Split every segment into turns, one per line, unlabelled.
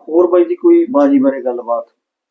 ਹੋਰ ਬਾਈ ਜੀ ਕੋਈ ਬਾਜੀ ਬਾਰੇ ਗੱਲਬਾਤ?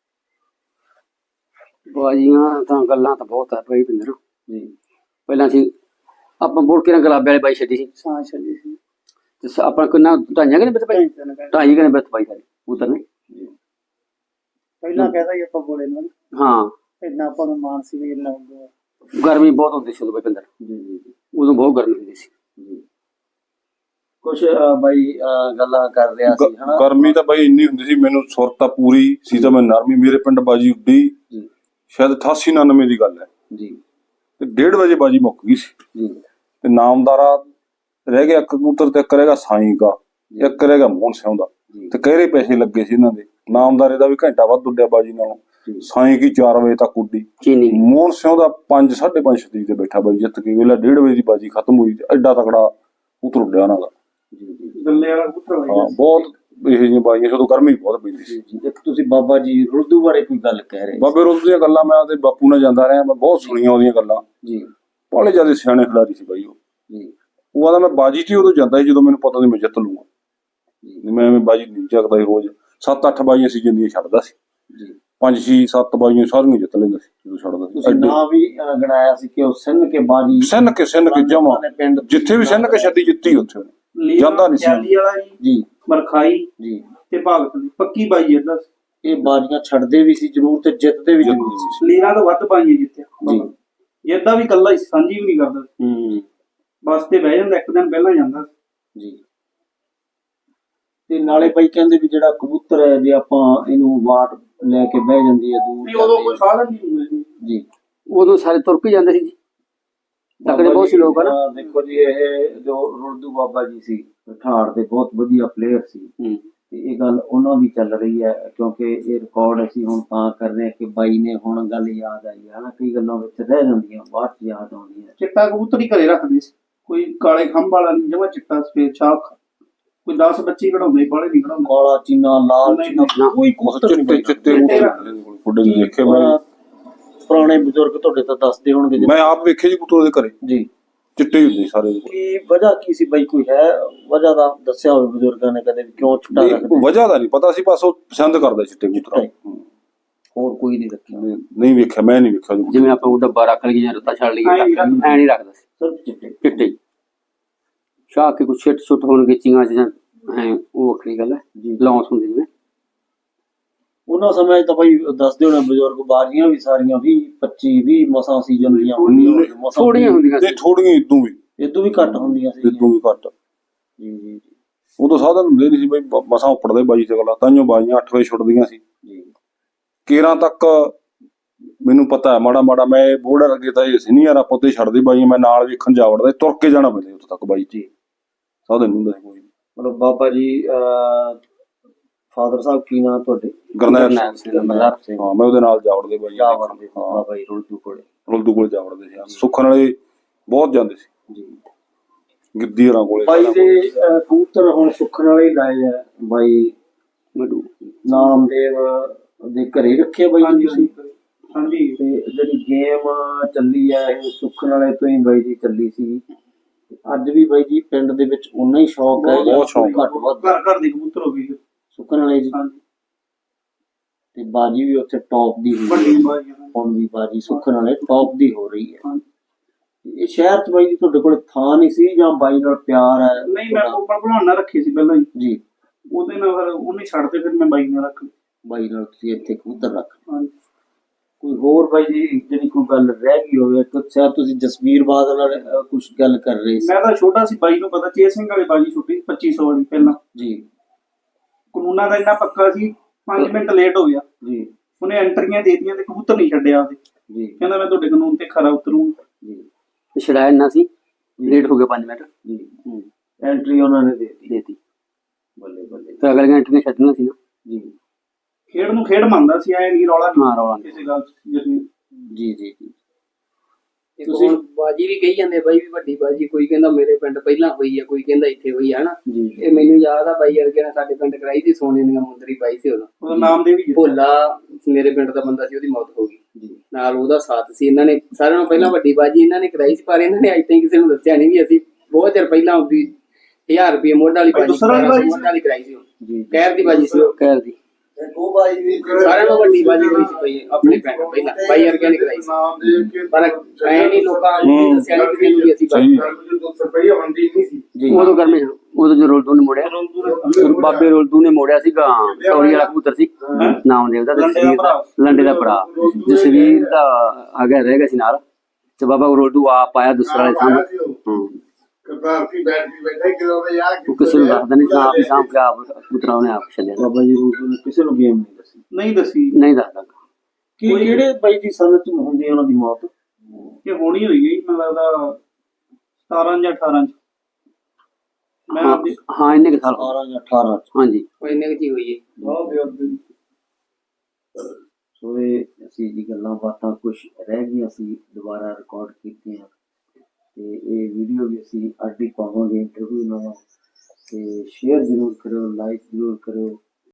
ਬਾਜੀਆਂ ਤਾਂ ਗੱਲਾਂ ਤਾਂ ਬਹੁਤ ਆ ਭਾਈ ਪਿੰਦਰ।
ਜੀ
ਪਹਿਲਾਂ ਅਸੀਂ ਆਪਾਂ ਬੋਲ ਕੇ ਨਾ ਗੁਲਾਬੇ ਵਾਲੀ ਬਾਈ ਛੱਡੀ ਸੀ
ਸਾਂ ਚੱਲੀ ਸੀ
ਤੇ ਆਪਾਂ ਕਿੰਨਾ ਢਾਈਆਂ ਕਿ ਬਿੱਤ ਭਾਈ ਢਾਈ ਕਿ ਬਿੱਤ ਭਾਈ ਸਾਰੇ ਉਤਰ ਨੇ।
ਪਹਿਲਾਂ ਕਹਿੰਦਾ ਹੀ ਆਪਾਂ ਬੋਲੇ ਨਾਲ
ਹਾਂ
ਇੰਨਾ ਆਪਾਂ ਨੂੰ ਮਾਨ ਸੀ ਵੀ ਇੰਨਾ ਹੁੰਦਾ।
ਗਰਮੀ ਬਹੁਤ ਹੁੰਦੀ ਸੀ ਉਦੋਂ ਭਾਈ ਪਿੰਦਰ।
ਜੀ ਜੀ
ਉਦੋਂ ਬਹੁਤ ਗਰਮੀ ਹੁੰਦੀ ਸੀ
ਜੀ। ਕੁਛ ਬਾਈ ਗੱਲਾਂ ਕਰ ਰਿਹਾ ਸੀ ਹਨਾ।
ਗਰਮੀ ਤਾਂ ਬਾਈ ਇੰਨੀ ਹੁੰਦੀ ਸੀ, ਮੈਨੂੰ ਸੁਰਤਾ ਪੂਰੀ ਸੀ ਤਾਂ ਮੈਂ ਨਰਮੀ। ਮੇਰੇ ਪਿੰਡ ਬਾਜੀ ਉੱਡੀ
ਜੀ
ਸ਼ਾਇਦ 88-99 ਦੀ ਗੱਲ ਹੈ
ਜੀ
ਤੇ 1:30 ਵਜੇ ਬਾਜੀ ਮੁੱਕ ਗਈ ਸੀ
ਜੀ
ਤੇ ਨਾਮਦਾਰਾ ਰਹਿ ਗਿਆ ਇੱਕ ਕਬੂਤਰ ਤੇ ਇੱਕ ਰਹਿ ਗਿਆ ਸਾਈਂ ਦਾ, ਇੱਕ ਰਹਿ ਗਿਆ ਮੋਹਨ ਸਿੰਘ ਦਾ ਤੇ ਕਹਿਰੇ ਪੈਸੇ ਲੱਗੇ ਸੀ ਇਹਨਾਂ ਦੇ। ਨਾਮਦਾਰੇ ਦਾ ਵੀ ਘੰਟਾ ਵੱਧ ਉੱਡਿਆ ਬਾਜੀ ਨਾਲੋਂ, ਸਾਈਂ ਕੀ 4 ਵਜੇ ਤੱਕ ਉੱਡੀ।
ਚੀਨੀ
ਮੋਹਨ ਸਿੰਘ ਦਾ 5 5:30 ਛੱਡੀ ਤੇ ਬੈਠਾ ਬਾਈ ਜਿੱਤ ਕੇ। ਵੇਲਾ 1:30 ਵਜੇ ਦੀ ਬਾਜੀ ਖਤਮ ਹੋਈ ਤੇ ਐਡਾ ਤਕੜਾ ਕਬੂਤਰ ਉੱਡਿਆ ਉਹਨਾਂ ਦਾ।
ਗੱਲੇ ਵਾਲਾ ਕਬੂਤਰ
ਹਾਂ ਬਹੁਤ ਇਹੋ ਜਿਹੀਆਂ ਬਾਜੀਆਂ ਜਦੋਂ ਗਰਮੀ ਬਹੁਤ ਪੈਂਦੀ ਸੀ।
ਜੀ। ਇੱਕ ਤੁਸੀਂ ਬਾਬਾ ਜੀ ਰੁੱਦੂ ਬਾਰੇ ਕੋਈ ਗੱਲ ਕਹਿ ਰਹੇ
ਬਾਬੇ ਰੁੱਤ ਦੀਆਂ ਗੱਲਾਂ ਮੈਂ ਉਹਦੇ ਬਾਪੂ ਨਾਲ ਜਾਂਦਾ ਰਿਹਾ, ਮੈਂ ਬਹੁਤ ਸੁਣੀਆਂ ਉਹਦੀਆਂ ਗੱਲਾਂ।
ਜੀ
ਬੜੇ ਜਿਆਦਾ ਸਿਆਣੇ ਖਿਡਾਰੀ ਸੀ ਬਾਈ ਉਹ।
ਜੀ
ਉਹ ਆਦਾ ਮੈਂ ਬਾਜੀ 'ਚ ਹੀ ਉਦੋਂ ਜਾਂਦਾ ਸੀ ਜਦੋਂ ਮੈਨੂੰ ਪਤਾ ਨਹੀਂ ਮੈਂ ਜਿੱਤ ਲੂੰਗਾ। ਮੈਂ ਐਵੇਂ ਬਾਜੀ ਨਹੀਂ ਚੱਕਦਾ ਸੀ ਰੋਜ਼। 7-8 ਬਾਜੀਆਂ ਸੀ ਜਿੰਦੀਆਂ ਛੱਡਦਾ ਸੀ,
ਜੀ
5-6-7 ਬਾਜੀਆਂ ਸਾਰੀਆਂ ਜਿੱਤ ਲੈਂਦਾ ਸੀ ਜਦੋਂ ਛੱਡਦਾ ਸੀ।
ਤੁਸੀਂ ਨਾਂ ਵੀ ਗਣਾਇਆ ਸੀ ਕਿ ਉਹ ਸਿੰਨ ਕੇ ਬਾਜੀ
ਸਿੰਨ ਕੇ ਜਮਾ
ਪਿੰਡ
ਜਿੱਥੇ ਵੀ ਸਿੰਨ ਕੇ ਛੱਡੀ ਜਿੱਤੀ ਉੱਥੇ ਉਹਨੇ। ਜਾਂਦਾ ਨਹੀਂ ਸੀ
ਚਾਲੀ ਵਾਲਾ ਜੀ
ਜੀ
ਮਰਖਾਈ
ਜੀ।
ਤੇ ਭਗਤ ਦੀ ਪੱਕੀ ਬਾਈ ਇਹਦਾ
ਇਹ ਬਾਜੀਆਂ ਛੱਡਦੇ ਵੀ ਸੀ ਜ਼ਰੂਰ ਤੇ ਜਿੱਤਦੇ ਵੀ ਜ਼ਰੂਰ ਸੀ।
ਲੀਰਾਂ ਤੋਂ ਵੱਧ ਬਾਈਆਂ ਜਿੱਤਿਆ
ਜੀ
ਜਿੱਦਾਂ ਵੀ ਕੱਲਾ ਹੀ ਸਾਂਝੀ ਵੀ ਨਹੀਂ ਕਰਦਾ ਸੀ।
ਹੂੰ
ਬਸ ਤੇ ਬਹਿ ਜਾਂਦਾ, ਇੱਕ ਦਿਨ ਪਹਿਲਾਂ ਜਾਂਦਾ ਸੀ।
ਜੀ। ਤੇ ਨਾਲੇ ਬਾਈ ਕਹਿੰਦੇ ਵੀ ਜਿਹੜਾ ਕਬੂਤਰ ਹੈ ਜੇ ਆਪਾਂ ਇਹਨੂੰ ਵਾਟ ਲੈ ਕੇ ਬਹਿ ਜਾਂਦੀ ਹੈ ਦੂਰ
ਵੀ ਉਦੋਂ ਕੋਈ ਸਾਧਨ ਨਹੀਂ ਹੁੰਦਾ ਸੀ।
ਜੀ।
ਉਦੋਂ ਸਾਰੇ ਤੁਰ ਕੇ ਜਾਂਦੇ ਸੀ ਜੀ। ਤਕੜੇ ਬਹੁਤ ਸੀ ਲੋਕ ਹਨਾ।
ਦੇਖੋ ਜੀ ਇਹ ਜੋ ਰੁੱਦੂ ਬਾਬਾ ਜੀ ਸੀ ਠਾੜ ਦੇ ਬਹੁਤ ਵਧੀਆ ਪਲੇਅਰ ਸੀ ਤੇ ਇਹ ਗੱਲ ਉਹਨਾਂ ਦੀ ਚੱਲ ਰਹੀ ਹੈ ਕਿਉਂਕਿ ਇਹ ਰਿਕਾਰਡ ਅਸੀਂ ਹੁਣ ਤਾਂ ਕਰ ਰਹੇ ਹਾਂ ਕਿ ਬਾਈ ਨੇ ਹੁਣ ਗੱਲ ਯਾਦ ਆਈ ਹੈ ਨਾ। ਕਈ ਗੱਲਾਂ ਵਿੱਚ ਰਹਿ ਜਾਂਦੀਆਂ ਬਾਅਦ ਚ ਯਾਦ ਆਉਂਦੀਆਂ।
ਚਿੱਟਾ ਕਬੂਤਰ ਹੀ ਘਰੇ ਰੱਖਦੇ ਸੀ, ਕੋਈ ਕਾਲੇ ਖੰਭ ਵਾਲਾ ਨਹੀਂ, ਜਮਾ ਚਿੱਟਾ ਸਫੇਦ ਛਾਪ। ਕੋਈ 10 ਬੱਚੇ ਕਢਾਉਂਦੇ, ਬਾਲੇ ਨਹੀਂ ਕਢਾਉਂਦੇ।
ਕਾਲਾ ਚੀਨਾ ਲਾਲ ਚੀਨਾ ਕੋਈ ਕਬੂਤਰ ਨਹੀਂ
ਚਿੱਟੇ ਫੁੱਡੇ ਦੇਖੇ ਮੈਂ।
ਪੁਰਾਣੇ ਬਜ਼ੁਰਗ ਤੁਹਾਡੇ ਤਾਂ ਦੱਸਦੇ ਹੋਣਗੇ ਜੀ।
ਮੈਂ ਆਪ ਵੇਖੇ ਜੀ ਕਬੂਤਰ ਦੇ ਘਰੇ
ਜੀ
ਚਿੱਟੇ ਹੀ ਹੁੰਦੇ ਸਾਰੇ।
ਕੀ ਵਜ੍ਹਾ ਕੀ ਸੀ ਬਾਈ? ਕੋਈ ਹੈ ਵਜ੍ਹਾ ਦਾ ਦੱਸਿਆ ਹੋਵੇ ਬਜ਼ੁਰਗਾਂ ਨੇ ਕਦੇ ਵੀ ਕਿਉਂ ਚਿੱਟਾ ਰੱਖਦੇ?
ਵਜ੍ਹਾ ਦਾ ਨਹੀਂ ਪਤਾ ਸੀ, ਬਸ ਉਹ ਪਸੰਦ ਕਰਦਾ ਚਿੱਟੇ ਕਬੂਤਰ।
ਹੋਰ ਕੋਈ ਨਹੀਂ ਰੱਖਿਆ?
ਨਹੀਂ ਵੇਖਿਆ, ਮੈਂ ਨਹੀਂ ਵੇਖਿਆ।
ਜਿਵੇਂ ਆਪਾਂ ਉਹ ਡੱਬਾ ਰੱਖ ਲਈਏ ਜਾਂ ਰੱਤਾ ਛੱਡ ਲਈਏ ਐ ਨਹੀਂ ਰੱਖਦਾ ਸੀ,
ਸਿਰਫ ਚਿੱਟੇ
ਚਿੱਟੇ ਸ਼ਾਹ ਕੇ ਕੁਛ ਛੁੱਟ ਹੋਣਗੇ ਚੀਆਂ ਚ ਜਾਂ ਉਹ ਵੱਖਰੀ ਗੱਲ ਹੈ। ਲੌਂਸ ਹੁੰਦੀ ਜਿਵੇਂ
ਉਹਨਾਂ ਸਮੇਂ ਤਾਂ ਬਾਈ ਦੱਸਦੇ ਹੋਣੇ ਬਜ਼ੁਰਗ ਬਾਜੀਆਂ ਵੀ ਸਾਰੀਆਂ 20-25-20 ਮਸਾਂ ਸੀਜ਼ਨ ਦੀਆਂ ਹੁੰਦੀਆਂ,
ਥੋੜੀਆਂ ਹੁੰਦੀਆਂ
ਤੇ ਥੋੜੀਆਂ ਇਦੋਂ ਵੀ
ਇਦੋਂ ਵੀ ਘੱਟ ਹੁੰਦੀਆਂ ਸੀ।
ਇਦੋਂ ਵੀ ਘੱਟ।
ਜੀ ਜੀ
ਉਦੋਂ ਸਾਧਨ ਹੁੰਦੇ ਨਹੀਂ ਸੀ ਬਈ, ਮਸਾਂ ਉੱਪੜਦੇ ਬਾਜੀ ਤੇ ਗੱਲਾਂ। ਤਾਂਹੀਓ ਬਾਜੀਆਂ 8 ਵਜੇ ਛੁੱਟਦੀਆਂ ਸੀ।
ਜੀ
13 ਤੱਕ ਮੈਨੂੰ ਪਤਾ ਹੈ ਮਾੜਾ ਮਾੜਾ। ਮੈਂ ਬੋਰਡਰ ਅੱਗੇ ਤਾਂ ਇਹ ਸੀਨੀਅਰ ਆਪਾਂ ਤੇ ਛੱਡਦੇ ਬਾਜੀ, ਮੈਂ ਨਾਲ ਵੇਖਣ ਜਾ ਵੜਦਾ, ਤੁਰ ਕੇ ਜਾਣਾ ਪੈਂਦਾ ਉੱਥੇ ਤੱਕ ਬਾਈ। ਜੀ ਸਾਧਨ ਨਹੀਂ ਹੁੰਦਾ ਸੀ ਕੋਈ।
ਮਤਲਬ ਬਾਬਾ ਜੀ ਫਾਦਰ ਸਾਹਿਬ ਕੀ ਨਾਂ ਤੁਹਾਡੇ?
ਗਰਨੈਲ
ਸਿੰਘ।
ਹਾਂ ਮੈਂ ਉਹਦੇ ਨਾਲ ਜਾ ਵੜਦੇ ਬਾਈ।
ਜਾ ਵੜਦੇ ਬਾਬਾ ਜੀ ਰੁੱਦੂ ਕੋਲੇ।
ਰੁੱਦੂ ਕੋਲ ਜਾ ਵੜਦੇ ਸੀ। ਸੁੱਖਣ ਵਾਲੇ ਬਹੁਤ ਜਾਂਦੇ ਸੀ
ਜੀ।
ਗਿੱਦੀ ਹਰਾਂ ਕੋਲੇ।
ਬਾਈ ਦੇ ਕਬੂਤਰ ਹੁਣ ਸੁੱਖਣ ਵਾਲੇ ਹੀ ਲਾਏ ਆ ਬਾਈ।
ਮਡੂ
ਨਾਮਦੇਵ ਦੇ ਘਰੇ ਰੱਖੇ ਬਾਈ ਜੀ ਤੁਸੀਂ?
ਹਾਂਜੀ।
ਤੇ ਜਿਹੜੀ ਗੇਮ ਚੱਲੀ ਹੈ ਇਹ ਸੁੱਖਣ ਵਾਲੇ ਤੋਂ ਹੀ ਬਾਈ ਜੀ ਚੱਲੀ ਸੀ। ਅੱਜ ਵੀ ਬਾਈ ਜੀ ਪਿੰਡ ਦੇ ਵਿੱਚ ਉਨਾ ਹੀ ਸ਼ੌਕ ਹੈ,
ਬਹੁਤ ਸ਼ੌਕ
ਘੱਟ ਵੱਧ
ਘਰ ਘਰ ਦੇ ਕਬੂਤਰ ਹੋ ਗਏ
ਸੁੱਖਣ ਵਾਲੇ ਜੀ।
ਹਾਂਜੀ।
ਤੇ ਬਾਜੀ ਵੀ ਉੱਥੇ ਟੌਪ ਦੀ ਹੋਈ
ਵੱਡੀ
ਹੈ।
ਬਾਜੀ
ਹੁਣ ਵੀ ਬਾਜੀ ਸੁੱਖਣ ਵਾਲੇ ਟੌਪ ਦੀ ਹੋ ਰਹੀ ਹੈ।
ਹਾਂਜੀ।
ਇਹ ਸ਼ਹਿਰ ਚ ਬਾਈ ਜੀ ਤੁਹਾਡੇ ਕੋਲ ਥਾਂ ਨਹੀਂ ਸੀ ਜਾਂ ਬਾਈ ਨਾਲ ਪਿਆਰ ਹੈ?
ਨਹੀਂ, ਮੈਂ ਕੋਪਰ ਬਣਾਉਣਾ ਰੱਖੀ ਸੀ ਪਹਿਲਾਂ ਹੀ।
ਜੀ।
ਉਹਦੇ ਨਾਲ ਫਿਰ ਉਹਨੇ ਛੱਡ ਤੇ ਫਿਰ ਮੈਂ ਬਾਈ ਨਾਲ ਰੱਖ ਲਈ।
ਬਾਈ ਨਾਲ ਤੁਸੀਂ ਇੱਥੇ ਕਬੂਤਰ ਰੱਖ।
ਹਾਂਜੀ।
ਕੋਈ ਹੋਰ ਬਾਈ ਜੀ ਜਿਹੜੀ ਕੋਈ ਗੱਲ ਰਹਿ ਗਈ ਹੋਵੇ? ਸ਼ਾਇਦ ਤੁਸੀਂ ਜਸਵੀਰ ਬਾਦਲ ਨਾਲ ਕੁਝ ਗੱਲ ਕਰ ਰਹੇ ਸੀ।
ਮੈਂ ਤਾਂ ਛੋਟਾ ਸੀ, ਬਾਈ ਨੂੰ ਪਤਾ ਚੇਤ ਸਿੰਘ ਵਾਲੀ ਬਾਜੀ ਛੁੱਟੀ 2500 ਵਾਲੀ ਪਹਿਲਾਂ।
ਜੀ
ਕਾਨੂੰਨਾਂ ਦਾ ਇੰਨਾ ਪੱਕਾ ਸੀ, 5 ਮਿੰਟ ਲੇਟ ਹੋ ਗਿਆ।
ਜੀ
ਉਹਨੇ ਐਂਟਰੀਆਂ ਦੇ ਦਿੱਤੀਆਂ ਤੇ ਕਬੂਤਰ ਨਹੀਂ ਛੱਡਿਆ ਉਹਦੇ।
ਜੀ
ਕਹਿੰਦਾ ਮੈਂ ਤੁਹਾਡੇ ਕਾਨੂੰਨ ਤੇ ਖਰਾ ਉਤਰੂੰਗਾ।
ਜੀ
ਛੜਾਇਆ ਨਾ ਸੀ, ਲੇਟ ਹੋ ਗਏ 5 ਮਿੰਟ
ਜੀ। ਐਂਟਰੀ ਉਹਨਾਂ ਨੇ ਦੇ ਦਿੱਤੀ।
ਦੇਤੀ
ਬੱਲੇ ਬੱਲੇ
ਤੇ ਅਗਲੀਆਂ ਐਂਟਰੀਆਂ ਛੱਡਣੀਆਂ ਸੀ ਨਾ।
ਜੀ
ਖੇਡ ਨੂੰ ਖੇਡ ਮੰਨਦਾ ਸੀ, ਐ ਨਹੀਂ ਰੌਲਾ
ਹਾਂ ਰੌਲਾ ਨਹੀਂ।
ਕਿਸੇ ਗੱਲ ਚ।
ਜੀ ਜੀ ਜੀ।
ਤੁਸੀਂ ਬਾਜੀ ਵੀ ਕਹੀ ਜਾਂਦੇ ਬਾਈ ਵੀ ਵੱਡੀ ਬਾਜੀ, ਕੋਈ ਕਹਿੰਦਾ ਮੇਰੇ ਪਿੰਡ ਪਹਿਲਾਂ ਹੋਈ ਆ, ਕੋਈ ਕਹਿੰਦਾ ਇੱਥੇ ਹੋਈ ਆ ਹਨਾ।
ਜੀ
ਇਹ ਮੈਨੂੰ ਯਾਦ ਆ ਬਾਈ ਵਰਗੇ ਨੇ ਸਾਡੇ ਪਿੰਡ ਕਰਾਈ ਸੀ, ਸੋਨੇ ਦੀਆਂ ਮੁੰਦਰੀ ਪਾਈ ਸੀ ਉਦੋਂ।
ਉਹਦਾ ਨਾਮ ਦੇ ਵੀ
ਭੋਲਾ ਮੇਰੇ ਪਿੰਡ ਦਾ ਬੰਦਾ ਸੀ, ਉਹਦੀ ਮੌਤ ਹੋ ਗਈ।
ਜੀ
ਨਾਲ ਉਹਦਾ ਸਾਥ ਸੀ। ਇਹਨਾਂ ਨੇ ਸਾਰਿਆਂ ਨੂੰ ਪਹਿਲਾਂ ਵੱਡੀ ਬਾਜੀ ਇਹਨਾਂ ਨੇ ਕਰਾਈ ਸੀ, ਪਰ ਇਹਨਾਂ ਨੇ ਅੱਜ ਤਾਈਂ ਕਿਸੇ ਨੂੰ ਦੱਸਿਆ ਨਹੀਂ ਵੀ ਅਸੀਂ ਬਹੁਤ ਚਿਰ ਪਹਿਲਾਂ ਵੀ 1000 ਰੁਪਏ ਮੋਢ ਵਾਲੀ ਬਾਜੀ
ਦੂਸਰਾ ਵੀ ਬਾਜੀ ਸੀ?
ਮੋਢ ਵਾਲੀ ਕਰਾਈ ਸੀ ਉਹ।
ਜੀ
ਕਹਿਰ ਦੀ ਬਾਜੀ ਸੀ ਉਹ।
ਕਹਿਰ ਦੀ
ਸਾਰਿਆਂ ਨੂੰ ਵੱਡੀ ਬਾਜੀ ਹੋਈ ਸੀ ਭਾਈ ਆਪਣੇ ਪਿੰਡ ਪਹਿਲਾਂ ਬਾਈ ਵਰਗਿਆਂ ਨੇ ਕਰਾਈ ਸੀ ਪਰ ਐ ਨਹੀਂ ਲੋਕਾਂ ਨੇ ਦੱਸਿਆ ਨਹੀਂ ਕਿ ਵੀ ਅਸੀਂ
ਸਹੀ
ਜੀ
ਉਦੋਂ ਕਰਮੇ ਉਦੋਂ ਜੋ ਰੋਲਦੂ ਨੇ ਮੋੜਿਆ ਬਾਬੇ ਰੋਲਦੂ ਨੇ ਮੋੜਿਆ ਸੀਗਾ ਟੋਰੀ ਵਾਲਾ ਕਬੂਤਰ ਸੀ ਨਾਮ ਦੇ ਉਹਦਾ ਜਸਵੀਰ ਦਾ ਲੰਡੇ ਦਾ ਭਰਾ ਜਸਵੀਰ ਦਾ ਆ ਗਿਆ ਰਹਿ ਗਿਆ ਸੀ ਨਾਲ ਤੇ ਬਾਬਾ ਰੋਲਦੂ ਆਪ ਆਇਆ ਦੂਸਰਾ ਵਾਲੇ ਸਾਹਮਣੇ ਉਹ ਕਿਸੇ ਨੂੰ ਦੱਸਦਾ ਨਹੀਂ ਆਪ ਹੀ ਸਾਂਭ ਕੇ ਆਪ ਕਬੂਤਰਾਂ ਉਹਨੇ ਆਪ ਛੱਡਿਆ
ਬਾਬਾ ਜੀ ਰੂਲ ਨੇ ਕਿਸੇ ਨੂੰ ਗੇਮ ਨਹੀਂ ਦੱਸੀ
ਨਹੀਂ ਦੱਸੀ
ਨਹੀਂ ਦੱਸਦਾ
ਕਿ ਜਿਹੜੇ ਬਾਈ ਦੀ ਸੰਗਤ ਚ ਹੁੰਦੀ ਹੈ ਉਹਨਾਂ ਦੀ ਮੌਤ
ਕਿ ਹੋਣੀ ਹੋਈ ਗਈ ਮੈਨੂੰ ਲੱਗਦਾ 17 ਜਾਂ 18 ਚ ਮੈਂ
ਹਾਂ
ਆਪਦੀ
ਹਾਂ ਇੰਨੇ ਕੁ ਸਾਲ
18 ਜਾਂ 18 ਚ
ਹਾਂਜੀ
ਉਹ ਇੰਨੇ ਕੀ ਹੋਈ ਹੈ
ਸੋ ਇਹ ਅਸੀਂ ਜੀ ਗੱਲਾਂ ਬਾਤਾਂ ਕੁਝ ਰਹਿ ਗਈਆਂ ਸੀ ਦੁਬਾਰਾ ਰਿਕਾਰਡ ਕੀਤੀਆਂ ਤੇ ਇਹ ਵੀਡੀਓ ਵੀ ਅਸੀਂ ਅੱਡ ਹੀ ਪਾਵਾਂਗੇ ਇੰਟਰਵਿਊ ਨਾਲ ਤੇ ਸ਼ੇਅਰ ਜ਼ਰੂਰ ਕਰਿਓ ਲਾਈਕ ਜ਼ਰੂਰ ਕਰਿਓ